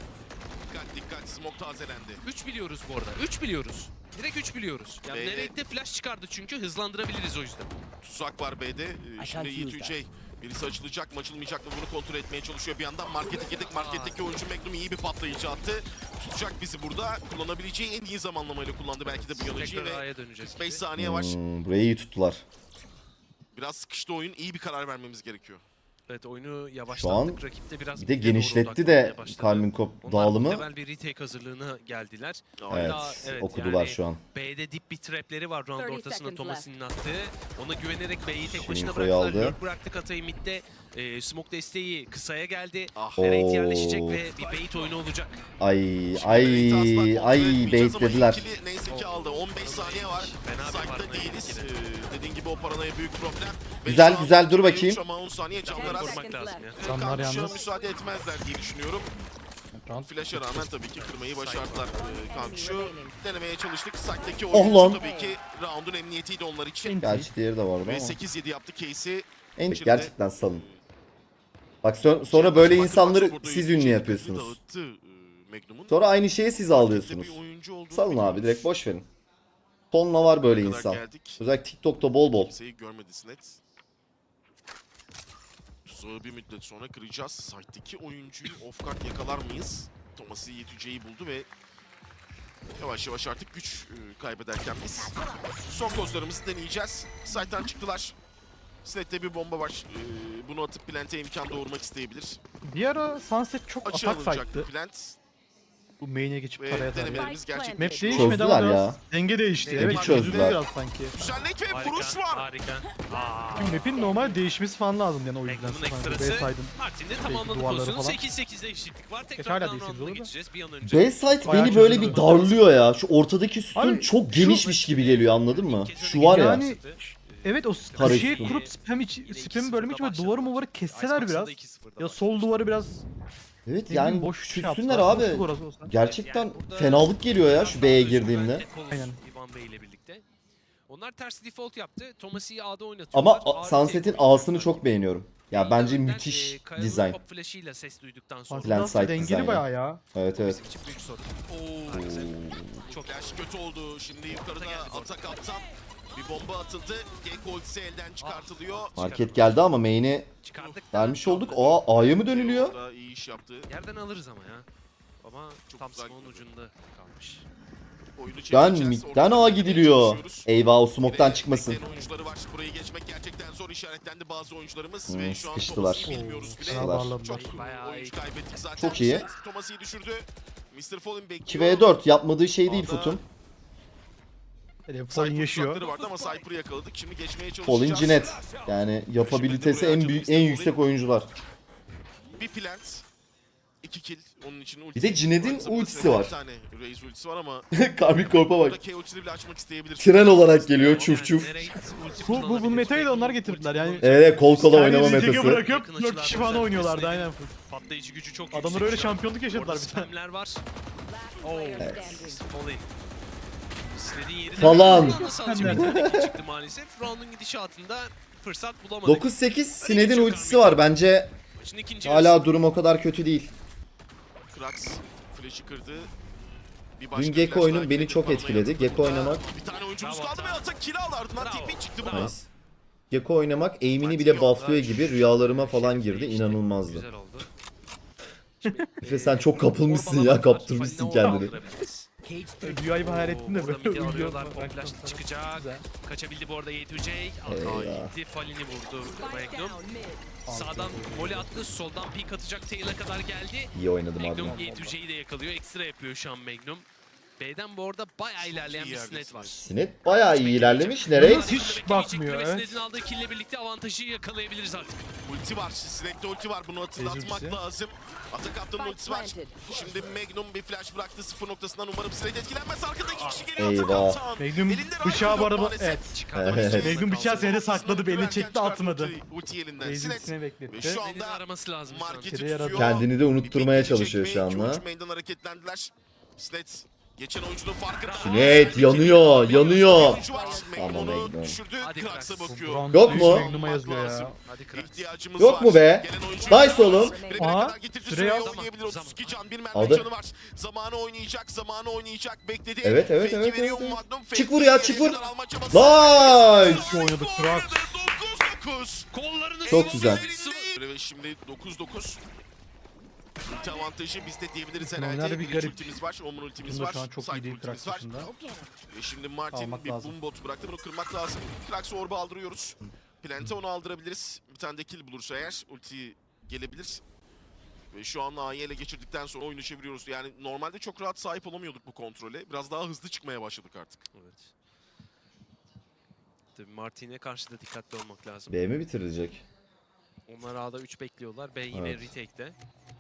S1: Dikkat dikkat, smoke tazelendi.
S4: 3 biliyoruz bu arada. 3 biliyoruz. Direkt 3 biliyoruz. Yani
S1: B'de-
S4: Nate'de flash çıkardı çünkü hızlandırabiliriz o yüzden.
S1: Tuzak var B'de. Şimdi Y2J birisi açılacak mı açılmayacak mı bunu kontrol etmeye çalışıyor. Bir yandan markete girdik. Marketteki oyuncu Magnum iyi bir patlayıcı attı. Tutacak bizi burada. Kullanabileceği en iyi zamanlamayla kullandı belki de bu yanıcıyı
S4: Tekrar
S1: ve
S4: A'ya döneceğiz.
S1: 5 saniye var.
S2: Burayı iyi tuttular.
S1: Biraz sıkıştı oyun. İyi bir karar vermemiz gerekiyor.
S4: Evet, oyunu
S2: Şu an
S4: yavaşlattık. Rakip de biraz
S2: bir de
S4: mid'e doğru
S2: genişletti de
S4: odaklanmaya başladı.
S2: Karmin Kop
S4: Onlar
S2: dağılımı.
S4: muhtemel bir retake hazırlığına geldiler.
S2: Evet,
S4: Hala, evet,
S2: okudular
S4: yani
S2: şu an.
S4: B'de dip bir trapleri var round
S5: 30
S4: ortasında
S5: seconds
S4: Thomas'ın attığı. Ona güvenerek B'yi tek
S2: Şimdi
S4: başına
S2: infoyu
S4: bıraktılar.
S2: aldı.
S4: Lurk bıraktı Katay'ı midde. Smoke desteği kısaya geldi.
S1: Ah.
S4: Fereit yerleşecek
S2: Oo.
S4: ve bir bait oyunu olacak.
S2: Ay
S1: Bekleyeceğiz
S2: beklediler.
S1: ama ikili neyse ki aldı. 15 saniye var.
S4: Fena bir
S1: Site'da
S4: paranoya
S1: değiliz.
S4: ikili.
S1: Dediğin gibi o paranoya büyük problem.
S2: Güzel,
S1: Ve şu
S2: güzel,
S1: an
S2: dur
S1: 3
S2: bakayım.
S1: Ama 10 saniye canlar az.
S4: Korumak lazım ya.
S3: Canlar
S1: Kankuş'a
S3: yalnız.
S1: müsaade etmezler diye düşünüyorum.
S3: Round
S1: Flash'a rağmen tabii ki kırmayı başardılar Kankuş'u. Denemeye çalıştık. Site'daki
S2: Oh
S1: oyuncu
S2: lan.
S1: tabii ki round'un emniyetiydi onlar için.
S2: Gerçi diğeri de vardı
S1: Ve
S2: ama.
S1: 8-7 yaptı Casey.
S2: Gerçekten salın. Bak sonra böyle insanları siz ünlü yapıyorsunuz.
S1: Dağıttı, Magnum'un.
S2: Sonra aynı şeyi siz ağlıyorsunuz.
S1: Bir oyuncu olduğunu
S2: Salın abi
S1: biliyoruz.
S2: direkt boş verin. Tonla var böyle
S1: Ne kadar
S2: insan.
S1: geldik.
S2: Özellikle TikTok'ta bol bol.
S1: Kimseyi görmedi Snet. Tuzağı bir müddet sonra kıracağız. Site'deki oyuncuyu off-guard yakalar mıyız? Thomas'ı Yetüce'yi buldu ve yavaş yavaş artık güç kaybederken biz son kozlarımızı deneyeceğiz. Site'dan çıktılar. Snet'te bir bomba var. Bunu atıp Plant'e imkan doğurmak isteyebilir.
S3: Bir ara Sunset çok
S1: Açığa
S3: atak
S1: alınacak
S3: saydı.
S1: Plant
S3: Bu main'e geçip
S1: ve
S3: paraya tarıyor.
S1: denemelerimiz gerçek.
S3: Map değişmedi
S2: Çözdüler
S3: ama biraz
S2: ya.
S3: denge değişti.
S1: Evet,
S3: Evet,
S1: bir
S2: çözdüler.
S3: biraz sanki.
S1: Güzellik ve
S4: Harika,
S1: vuruş var.
S4: harika.
S3: Çünkü map'in normal değişmesi falan lazım yani o yüzden.
S4: Magnum'un
S3: Sanki
S4: ekstrası.
S3: B-side'ın.
S4: Martin de tamamladı
S3: duvarları
S4: pozisyonu.
S3: falan.
S4: 8-8'de eşitlik var.
S3: hala
S4: Tekrardan
S3: değişiriz
S4: round'a
S3: olur da.
S4: geçeceğiz bir an önce.
S2: B-site
S3: Bayağı
S2: beni böyle bir
S3: çözüldü.
S2: darlıyor ya. Şu ortadaki sütun
S3: Abi,
S2: çok
S3: şu-
S2: genişmiş gibi geliyor anladın mı? Şu var ya.
S3: Yani- Evet o
S2: Kare
S3: köşeyi
S2: üstü.
S3: kurup spam bölmek için böyle duvarı muvarı kesseler biraz. Ya sol duvarı biraz
S2: Evet
S3: ne bileyim,
S2: yani
S3: boş şey
S2: çözsünler
S3: yaptılar.
S2: abi.
S3: Boşluk orası olsa.
S2: Gerçekten fenalık geliyor ya şu B'ye girdiğimde.
S3: Aynen.
S4: Ivan Bey ile birlikte. Onlar ters default yaptı. Thomas'ı A'da oynatıyorlar.
S2: Ama
S4: Ağır
S2: Sunset'in
S4: bir
S2: A'sını çok beğeniyorum. Ya bence
S4: Bey'den,
S2: müthiş
S4: Kaya'nın
S2: dizayn.
S4: pop flash'ıyla ses duyduktan sonra.
S2: Plan
S3: Aslında
S2: side
S3: dengeli
S2: dizaynı.
S3: bayağı ya.
S2: Evet evet.
S4: Bizim için büyük sorun.
S1: Çok flash kötü oldu. Şimdi yukarıda atak attan bir bomba atıldı. Gekko ultisi elden çıkartılıyor.
S2: Market geldi ama main'i
S4: Çıkardık da
S2: vermiş olduk. A'ya mı dönülüyor?
S1: Orada iyi iş yaptı.
S4: yerden alırız ama ya. Ama
S1: Çok
S4: tam
S1: güzel
S4: spawn ucunda kalmış.
S1: Oyunu
S2: Dan
S1: çevireceğiz.
S2: midden
S1: Orada
S2: A
S1: beklemeye
S2: gidiliyor.
S1: çalışıyoruz.
S2: Eyvah o smoke'tan
S1: Yine
S2: çıkmasın.
S1: bekleyen oyuncuları var. Burayı geçmek gerçekten zor, işaretlendi bazı oyuncularımız ve şu an
S2: sıkıştılar.
S1: Thomas'ı bilmiyoruz bile.
S2: Sıkıştılar.
S1: Çok
S4: Bayağı
S1: oyuncu
S4: iyi.
S1: kaybettik zaten.
S2: Çok iyi.
S1: Thomas'ı düşürdü. Mr. Fallen
S2: 2
S1: bekliyor.
S2: v 4 yapmadığı şey değil
S1: A'da
S2: Futun.
S3: Fallen
S1: Cypher
S3: yaşıyor.
S1: uzakları vardı ama Cypher'ı yakaladık. Şimdi geçmeye
S2: Fallen
S1: çalışacağız.
S2: Cinet. Yani yapabilitesi en büyük en yüksek oyuncular.
S1: Bir plant. 2 kill. Onun için ulti.
S2: Bir de Cinet'in
S1: Aynı zamanda
S2: ultisi
S1: Seven
S2: var.
S1: Bir tane Raze ultisi var ama
S2: Karmik Korp'a
S1: burada
S2: bak.
S1: K ultisini bile açmak isteyebilir.
S2: Tren olarak geliyor çuf çuf.
S3: Bu metayı da onlar getirdiler yani.
S2: Evet kol kola oynama
S3: Kendinizi
S2: metası.
S3: bırakıp 4 kişi falan oynuyorlardı aynen.
S4: Patlayıcı gücü çok
S3: Adamlar
S4: yüksek
S3: öyle
S4: şu an.
S3: şampiyonluk yaşadılar
S4: Orada
S3: bir tane.
S4: spamler var.
S5: Evet.
S4: Fallen. İstediğin yeri
S2: Falan.
S4: çıktı maalesef. Round'un gidişatında fırsat bulamadık.
S2: 9-8 Sined'in ultisi var. Bence
S4: Maçın ikinci
S2: hala durum o kadar kötü değil.
S1: Krax flash'ı kırdı. Bir
S2: Dün
S1: başka
S2: Gekko
S1: flash
S2: oyunu
S1: daha
S2: beni
S1: girdi.
S2: çok
S1: Paranoya
S2: etkiledi.
S1: atıldı
S2: Gekko
S1: burada.
S2: oynamak
S1: Bir tane oyuncumuz
S4: Bravo,
S1: kaldı ve
S4: bravo.
S1: atak kill aldı ardından
S4: Bravo.
S1: TP çıktı burada.
S2: nice. Gekko oynamak aim'ini bile bufflıyor gibi rüyalarıma falan girdi. İnanılmazdı.
S4: Güzel oldu.
S2: Efe sen çok kapılmışsın ya, kaptırmışsın kendini.
S3: Rüyayı bir hayal ettim de
S4: Orada
S3: böyle
S4: midi
S3: uyuyor.
S4: arıyorlar. Flash çıkacak.
S3: Güzel.
S4: Kaçabildi bu arada Y2J.
S2: Eyvah.
S4: Gitti. Fallen'i vurdu Magnum. Sağdan voley attı. Soldan peek atacak. Tail'a kadar geldi.
S2: İyi oynadım abi.
S4: Magnum Y2J'yi de yakalıyor. Ekstra yapıyor şu an Magnum. B'den bu arada bayağı ilerleyen bir
S1: İyi
S4: Snet var.
S1: yerdesiniz.
S2: Sinet bayağı iyi ilerlemiş. Nereye?
S3: Hiç bakmıyor, evet.
S4: Snet'in aldığı kille birlikte avantajı yakalayabiliriz artık.
S1: Ulti var. Sinek'te ulti var. Bunu hatırlatmak
S3: ultisi.
S1: lazım. Atak kaptanın ultisi var. Şimdi Magnum bir flash bıraktı. Sıfır noktasından umarım Sinek etkilenmez. Arkada iki kişi geliyor. Atak
S2: Eyvah.
S1: kaptan.
S3: Magnum
S1: Elinde
S3: bıçağı bu
S1: Raven
S3: arada
S1: yok
S3: evet.
S2: Evet.
S3: Magnum bıçağı seni sakladı, belini
S1: Erken
S3: çekti
S1: çıkarttı
S3: atmadı.
S1: Ulti elinden.
S3: Raze'in
S1: Sinek
S3: üstüne
S1: ve
S3: bekletti.
S1: şu
S4: Snet'in
S1: anda
S4: araması lazım şu an.
S1: marketi
S3: Kedi yaradı.
S1: tutuyor.
S2: Kendini de unutturmaya çalışıyor şu anda.
S1: Uç main'den hareketlendiler. Snet geçen oyuncunun farkında.
S2: Sinet yanıyor, yanıyor.
S1: Ama
S2: Ama Magnum.
S1: düşürdü.
S4: Hadi
S1: Krax'a
S4: Krax.
S1: bakıyor.
S3: Brown
S2: Yok
S3: Deuce
S2: mu?
S3: Magnum'a yazıyor ya.
S4: Hadi Krax.
S1: İhtiyacımız
S2: Yok
S1: var.
S2: mu be?
S1: Gelen oyuncu
S2: Nice oğlum.
S1: Birebire
S3: Aha,
S1: kadar getirdi.
S3: süre
S1: Süreyi
S3: yaz.
S1: oynayabilir. 32 can, bir mermi
S2: Aldı.
S1: canı var. Zamanı oynayacak, zamanı oynayacak. Bekledi.
S2: Evet, evet,
S1: Fake'i
S2: evet,
S1: veriyor
S2: evet,
S1: Magnum.
S2: Çık
S1: Fake'i
S2: vur ya,
S1: geriye
S2: çık vur.
S1: kadar alma çabası.
S2: Nice.
S3: İyi oynadı Krax.
S1: 9-9.
S4: Kollarını
S2: Çok güzel.
S1: Ve şimdi 9-9. Ulti avantajı bizde diyebiliriz
S3: Oyunlar
S1: herhalde.
S3: bir
S1: Bir
S3: garip.
S1: ultimiz var, Omun ultimiz
S3: Bunda
S1: var.
S3: şu an çok iyi
S1: Side
S3: değil
S1: ultimiz
S3: Krax
S1: var.
S3: dışında.
S1: Ve şimdi Martin
S3: Almak
S1: bir
S3: lazım.
S1: boom bot bıraktı. Bunu kırmak lazım. Krax'ı orba aldırıyoruz. Plant'e onu aldırabiliriz. Bir tane de kill bulursa eğer ulti gelebilir. Ve şu an A'yı ele geçirdikten sonra oyunu çeviriyoruz. Yani normalde çok rahat sahip olamıyorduk bu kontrole. Biraz daha hızlı çıkmaya başladık artık.
S4: Evet. Tabii Martin'e karşı da dikkatli olmak lazım.
S2: B mi bitirilecek?
S4: Onlar A'da 3 bekliyorlar. B yine
S2: Evet.
S4: retake'de.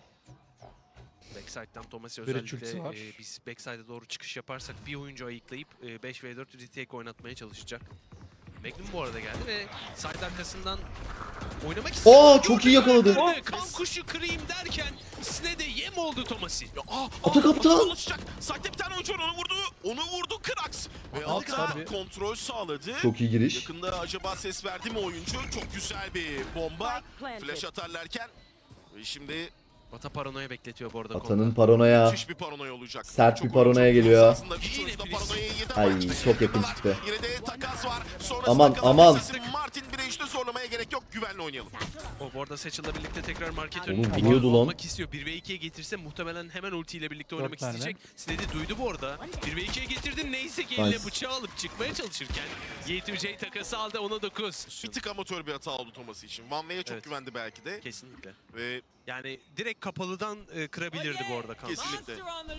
S4: Backside'dan Thomas'ı
S3: Böyle
S4: özellikle
S3: ultisi var.
S4: biz backside'e doğru çıkış yaparsak bir oyuncu ayıklayıp 5v4 retake oynatmaya çalışacak. Magnum bu arada geldi ve side arkasından oynamak istiyor.
S2: Çok iyi yakaladı.
S4: Kan kuşu kırayım derken Sine de yem oldu Thomas'ı.
S2: Ata kaptan.
S1: Ulaşacak. Site'de bir tane oyuncu var, onu vurdu. Onu vurdu Krax. Ve
S3: Alt
S1: Ata
S3: tabii.
S1: kontrol sağladı.
S2: Çok iyi giriş.
S1: Yakında acaba ses verdi mi oyuncu? Çok güzel bir bomba. Flash atarlarken. Ve şimdi
S4: Ata paranoya bekletiyor bu arada.
S2: Atanın paranoya.
S1: müthiş bir paranoya olacak.
S2: Sert
S1: Çok
S2: bir paranoya
S1: oyuncu
S2: geliyor.
S1: aslında. Üç oyuncu da paranoyayı yedi
S2: Ay,
S1: ama işte
S2: çok yakın
S1: yakaladılar.
S2: çıktı.
S1: Yine de takas var. Sonrasında
S2: Aman,
S1: kalan
S2: aman.
S1: sesi Martin bire işte zorlamaya gerek yok. Güvenle oynayalım.
S4: O bu arada Satchel'la birlikte tekrar market
S2: Oğlum,
S4: önünde
S2: vuruyordu lan.
S4: olmak istiyor. 1v2'ye getirse muhtemelen hemen ultiyle birlikte oynamak
S3: tane.
S4: isteyecek. Sned'i duydu bu arada. 1v2'ye getirdin neyse ki eline
S2: Nice.
S4: bıçağı alıp çıkmaya çalışırken Y2J takası aldı ona 9.
S1: Bir tık amatör bir hata oldu Thomas için. Van Wey'e çok
S4: Evet.
S1: güvendi belki de.
S4: Kesinlikle.
S1: Ve
S4: Yani direkt kapalıdan kırabilirdi bu arada Kanka.
S1: kesinlikle.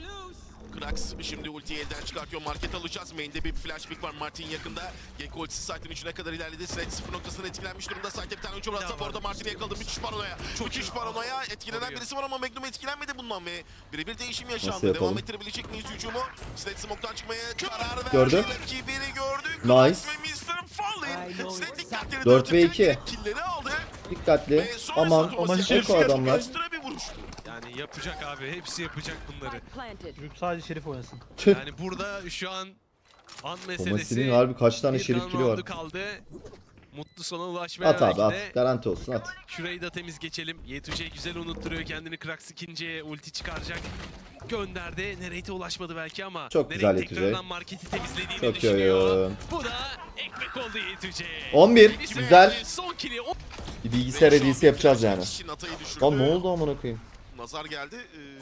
S1: Krax şimdi ultiyi elden çıkartıyor. Market alacağız. Main'de bir flash pick var. Martin yakında. Gekko ultisi site'ın içine kadar ilerledi. Sled 0 noktasından etkilenmiş durumda. Site'de bir tane oyuncu var. Atsa orada Martin'i yakaladı. Müthiş paranoya. Müthiş paranoya. Etkilenen
S4: Koruyor.
S1: birisi var ama Magnum etkilenmedi bundan ve birebir değişim
S2: Nasıl
S1: yaşandı.
S2: yapalım?
S1: Devam ettirebilecek miyiz hücumu? Sled smoke'tan çıkmaya karar verdi.
S2: Gördü.
S1: Rakibini gördük.
S2: Nice.
S1: Krax ve Mr. Fallen. Sled dikkatleri
S2: 4 ve 2.
S1: Killleri aldı.
S2: Dikkatli.
S1: Ve sonrasında
S2: Aman.
S1: Thomas'ın
S3: Ama
S2: Eko adamlar.
S1: ekstra bir vuruştu.
S4: Yani yapacak abi. Hepsi yapacak bunları.
S3: Çocuk sadece Şerif oynasın.
S2: Tüh.
S4: Yani burada şu an an meselesi.
S2: Thomas'ın harbi kaç tane
S4: bir
S2: şerif
S4: tane
S2: kili var.
S4: roundu kaldı. Mutlu sona ulaşmaya
S2: At abi
S4: belki de.
S2: at. Garanti olsun at.
S4: Şurayı da temiz geçelim. Y2J güzel unutturuyor kendini. Krax ikinciye ulti çıkaracak. Gönderdi. Nereye'te ulaşmadı belki ama
S2: Çok güzel
S4: Nereye
S2: Y2J.
S4: tekrardan marketi temizlediğini
S2: Çok iyi
S4: düşünüyor.
S2: oyun.
S4: Bu da ekmek oldu Y2J.
S2: 11. Güzel.
S4: Son kili.
S2: Bir bilgisayar hediyesi yapacağız yani.
S1: İşin atayı düşürdü.
S2: Lan ne oldu amına koyayım?
S1: Nazar geldi.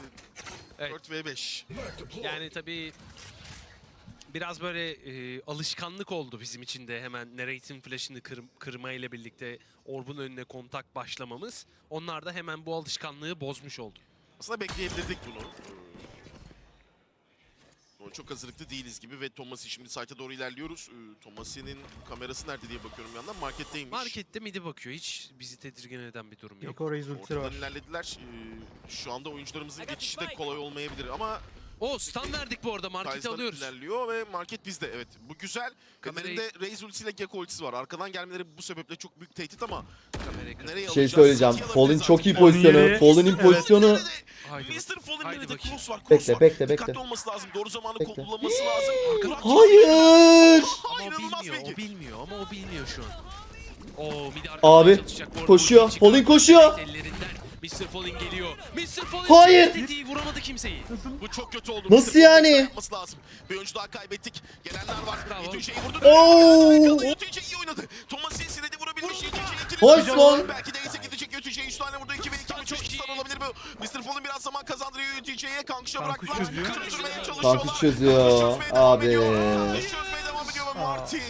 S4: Evet.
S1: 4 ve 5.
S4: Yani tabii biraz böyle alışkanlık oldu bizim için de hemen Narrate'in flash'ını kırma ile birlikte Orb'un önüne kontak başlamamız. Onlar da hemen bu alışkanlığı bozmuş oldu.
S1: Aslında bekleyebilirdik bunu. Çok hazırlıklı değiliz gibi ve Thomas'ı şimdi site'e doğru ilerliyoruz. Thomas'ın kamerası nerede diye bakıyorum bir yandan. Marketteymiş.
S4: Markette midi bakıyor. Hiç bizi tedirgin eden bir durum yok.
S3: Gekko Raze ultileri var.
S1: Ortadan ilerlediler. Şu anda oyuncularımızın geçişi de kolay olmayabilir ama
S4: O stun verdik bu arada. Marketi
S1: Tyson
S4: alıyoruz.
S1: ilerliyor ve market bizde. Evet bu güzel.
S4: Kamerayı-
S1: Kamerinde Raze ultisiyle Gekko ultisi var. Arkadan gelmeleri bu sebeple çok büyük tehdit ama
S4: Kamerayı kır.
S1: nereye
S2: Bir şey
S1: alacağız?
S2: söyleyeceğim.
S1: City'yi
S2: Fallen
S1: alabiliriz
S2: çok iyi
S1: artık.
S2: pozisyonu.
S3: Yeri-
S2: Fallen'in pozisyonu.
S4: Haydi
S1: Mr.
S4: bakayım.
S1: Fallen
S4: Haydi
S1: nerede?
S4: bakayım.
S1: Cross var.
S2: Bekle,
S1: Cross var.
S2: bekle, bekle.
S1: Dikkatli olması lazım. Doğru zamanı
S2: Bekle.
S1: kullanması lazım.
S2: Hayır.
S4: Ama o
S1: İnanılmaz
S4: bilmiyor.
S1: bilgi.
S4: O bilmiyor ama o bilmiyor şu an. Oo midi
S2: Abi,
S4: çalışacak. Bu arada
S2: koşuyor.
S4: ultiyi çıkardı.
S2: Fallen koşuyor.
S4: Ellerinden Mr. Fallen geliyor. Mr. Fallen
S2: Hayır.
S4: dediği vuramadı kimseyi.
S1: Bu çok kötü oldu.
S2: Nasıl
S1: Mr. Fallen'ın
S2: yani?
S1: yapması lazım. Bir oyuncu daha kaybettik. Gelenler var.
S4: Bravo.
S1: Yetüce'yi vurdu.
S2: Oo.
S1: Yetüce iyi oynadı. Thomas'ın sinedi vurabilmiş. Yetüce'yi
S2: Nice lan.
S1: Belki de ise gidecek Yetüce'yi 3 tane vurdu. 2 ve 2
S4: Çok
S1: 3
S4: iyi.
S1: stun olabilir mi? Mr. Fallen biraz zaman kazandırıyor Yetüce'ye. Kankuş'a
S3: Kankuş
S1: bıraktılar.
S3: çözüyor.
S1: Çözmeye çalışıyorlar.
S2: Kankuş çözüyor.
S1: Kankuş çözmeye devam
S2: Abi.
S1: ediyor. Kankuş çözmeye devam ediyor ve Martin.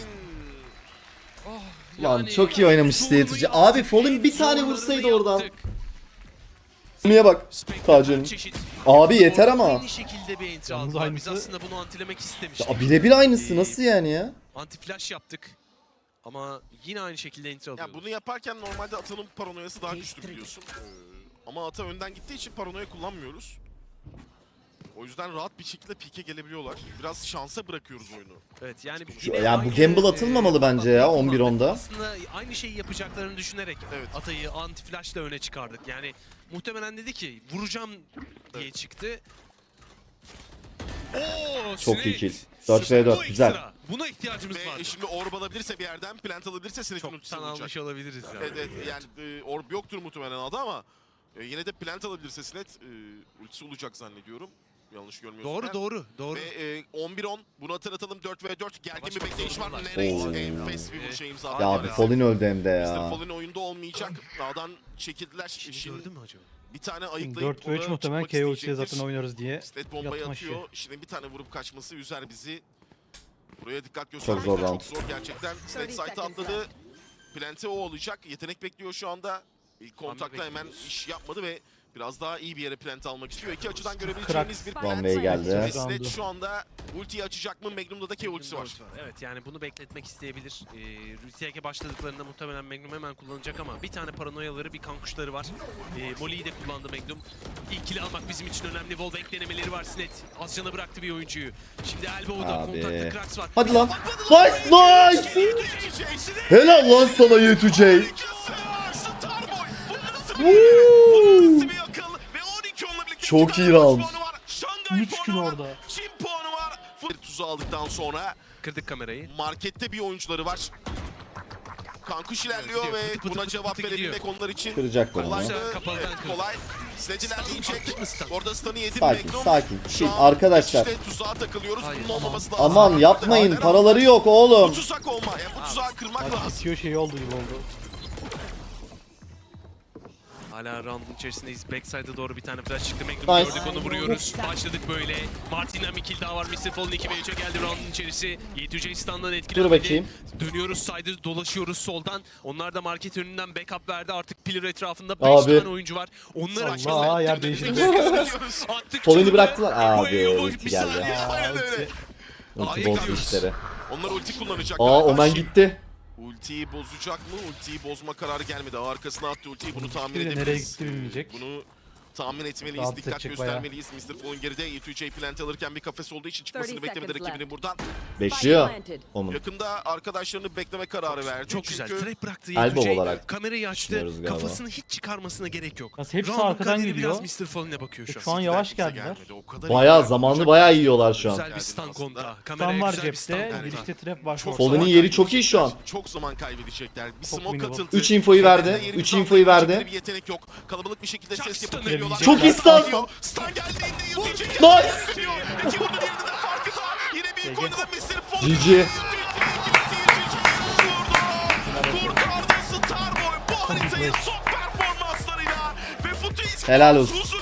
S2: Lan çok iyi oynamıştı Yetici. Abi Fallen bir tane vursaydı oradan. Niye bak. Tacın. Abi yeter ama.
S4: Aynı şekilde bir entry
S3: Yalnız
S4: aldılar. Biz
S3: aynısı-
S4: aslında bunu antilemek istemiştik.
S2: Ya birebir aynısı nasıl yani ya?
S4: Anti flash yaptık. Ama yine aynı şekilde entry
S1: Ya
S4: alıyoruz.
S1: bunu yaparken normalde Ata'nın paranoyası daha güçlü biliyorsun. Ama Ata önden gittiği için paranoya kullanmıyoruz. O yüzden rahat bir şekilde pike gelebiliyorlar. Biraz şansa bırakıyoruz oyunu.
S4: Evet yani
S2: Ya bu gamble atılmamalı bence ya, 11-10'da.
S4: Aslında aynı şeyi yapacaklarını düşünerek
S1: Evet.
S4: Atay'ı anti flash'la öne çıkardık. Yani muhtemelen dedi ki vuracağım diye
S1: Evet.
S4: çıktı. Oo,
S2: Çok iyi
S4: Snake.
S2: kill. 4 v 4
S4: Bu
S2: güzel.
S4: ekstra. Buna ihtiyacımız var.
S1: Ve şimdi orb alabilirse bir yerden, plant alabilirse Sinek'in ultisi
S4: Çoktan
S1: olacak.
S4: almış olabiliriz yani.
S1: Evet, yani orb yoktur muhtemelen adı ama yine de plant alabilirse Sinet ultisi olacak zannediyorum. Yanlış görmüyorsam.
S4: Doğru doğru doğru.
S1: Ve 11-10 bunu hatırlatalım 4 v 4 gergin
S4: Yavaş
S1: bir bekleyiş var.
S4: zorluyorlar.
S1: Nereye?
S2: Oo.
S1: Enfes bir vuruşa imza
S2: Ya
S1: attılar
S2: abi
S1: ya.
S2: Fallen öldü hem de
S1: Mr.
S2: ya.
S1: Fallen oyunda olmayacak. Dağdan çekildiler.
S4: Şimdi
S1: Şimdi
S4: gördün mü acaba?
S1: bir tane ayıklayıp
S3: 4 ve 3 muhtemelen KO ultiye zaten oynarız diye.
S1: Sinet bombayı
S3: Yatma
S1: atıyor.
S3: işi.
S1: Şimdi bir tane vurup kaçması üzer bizi. Buraya dikkat göstermek
S2: zor
S1: de
S2: round.
S1: çok zor gerçekten. Sinet site'a atladı. Plante o olacak. Yetenek bekliyor şu anda. İlk kontakta hemen
S4: bekliyoruz.
S1: iş yapmadı ve biraz daha iyi bir yere plante almak istiyor. İki açıdan görebileceğimiz bir
S2: Runway
S1: plant.
S2: geldi.
S1: Ve Sledge şu anda ultiyi açacak mı? Magnum'da da K ultisi var.
S4: Evet yani bunu bekletmek isteyebilir. Retake'e başladıklarında muhtemelen Magnum hemen kullanacak ama bir tane paranoyaları, bir kankuşları var. Molly'yi de kullandı Magnum. İlk kill'i almak bizim için önemli. Wallbang denemeleri var Snet. Az cana bıraktı bir oyuncuyu. Şimdi Elbow'da
S2: Abi.
S4: kontakta Krax var.
S2: Hadi lan. Nice nice. Helal lan sana Y2J. Çok iyi round.
S3: 3 gün orada.
S1: Çin puanı var. Tuzağı aldıktan sonra
S4: Kırdık kamerayı.
S1: markette bir oyuncuları var. Kankuş ilerliyor
S4: Gidiyor,
S1: ve
S4: pıtı pıtı
S1: buna
S4: pıtı
S1: cevap
S4: pıtı gidiyor.
S1: verebilmek onlar için
S2: Kıracaklar
S1: kolay.
S2: onu.
S1: Evet,
S4: Kapalıdan kırdı.
S1: kolay. Sledge'ler yiyecek. Orada stun'ı yedi
S2: Sakin,
S1: Magnum.
S2: sakin.
S1: Şu
S2: Chill.
S1: an
S2: Arkadaşlar.
S1: işte tuzağa takılıyoruz.
S4: Hayır,
S1: Bunun olmaması lazım.
S2: Aman yapmayın. Paraları yok
S1: Bu
S2: oğlum.
S1: tuzak olma. Yani bu tuzağı kırmak
S3: Bak
S1: lazım.
S3: bitiyor şey oldu gibi oldu.
S4: Hala round'un içerisindeyiz. Backside'a doğru bir tane flash çıktı. Magnum
S2: Nice.
S4: gördük, onu vuruyoruz. Başladık böyle. Martin'den bir kill daha var. Mr. Fall'ın 2 ve 3'e geldi round'un içerisi. Y2J stand'dan etkilenmedi.
S2: Dur bakayım.
S4: Dönüyoruz side'ı, dolaşıyoruz soldan. Onlar da market önünden backup verdi. Artık pillar etrafında 5
S2: Abi.
S4: tane oyuncu var. Onları
S3: Allah,
S4: açmadan
S3: yer değiştirdi.
S4: attık.
S2: Kolunu
S4: çalımı.
S2: bıraktılar. Abi,
S4: Koyuyor,
S2: ulti
S4: bir
S2: geldi.
S4: saniye.
S1: Aynen öyle.
S2: Ulti
S1: A'ya
S2: bozdu
S1: gidiyoruz.
S2: işleri.
S1: Onlar ulti kullanacaklar.
S2: Aa Omen gitti.
S1: Ultiyi bozacak mı? Ultiyi bozma kararı gelmedi. Arkasına attı ultiyi. Bunu tahmin
S3: Gitti de nereye
S1: edebiliriz.
S3: gitti bilmeyecek.
S1: Bunu tahmin etmeliyiz.
S3: Rahat
S1: Dikkat
S3: edecek
S1: göstermeliyiz. Mr. Fall'un geride Y2J plant alırken bir kafes olduğu için çıkmasını
S5: 30
S1: beklemedi
S5: seconds
S1: rakibinin buradan.
S2: Bekliyor. Omen.
S1: Yakında arkadaşlarını bekleme kararı verdi.
S4: Çok güzel.
S1: Çünkü
S4: Trap bıraktı
S2: Elbow
S4: Y2J.
S2: olarak
S4: Kamerayı açtı.
S2: düşünüyoruz galiba.
S4: Kafasını hiç çıkarmasına gerek yok.
S3: Nasıl hepsi
S4: Round'un
S3: arkadan
S4: kaderi
S3: geliyor.
S4: Biraz Mr. Fallen'e bakıyor şu an.
S3: Şu an yavaş
S1: bize
S3: geldiler.
S1: gelmedi. O kadar
S2: Bayağı
S1: iyi
S2: zamanlı
S1: yapacak.
S2: bayağı yiyorlar şu an.
S4: Güzel bir stun
S1: Aslında.
S4: konta.
S3: Tam
S4: Kameraya
S3: var
S4: güzel bir stun
S3: cepte.
S4: konta.
S3: Girişte trap var
S1: Çok
S3: short.
S2: Fallen'in yeri çok iyi şu an.
S1: Çok zaman kaybedecekler. Bir
S3: Çok
S1: smoke
S3: minimal.
S1: atıldı.
S2: 3 infoyu verdi.
S1: Ellerinde yeri
S2: 3
S1: kaldı.
S2: infoyu verdi.
S1: Bir yetenek yok. Kalabalık bir şekilde
S4: Çok
S1: ses yapıp
S4: stun
S1: geliyorlar.
S2: Çok iyi stun.
S1: Stun geldiğinde yıldırıcı
S2: Nice.
S1: İki vurdu diğerinde de farkı var. Yine bir golü de Mr. Fall.
S2: GG.
S1: Kurtardı Starboy bu haritayı son performanslarıyla ve Futuist
S2: Helal olsun.
S1: Suzu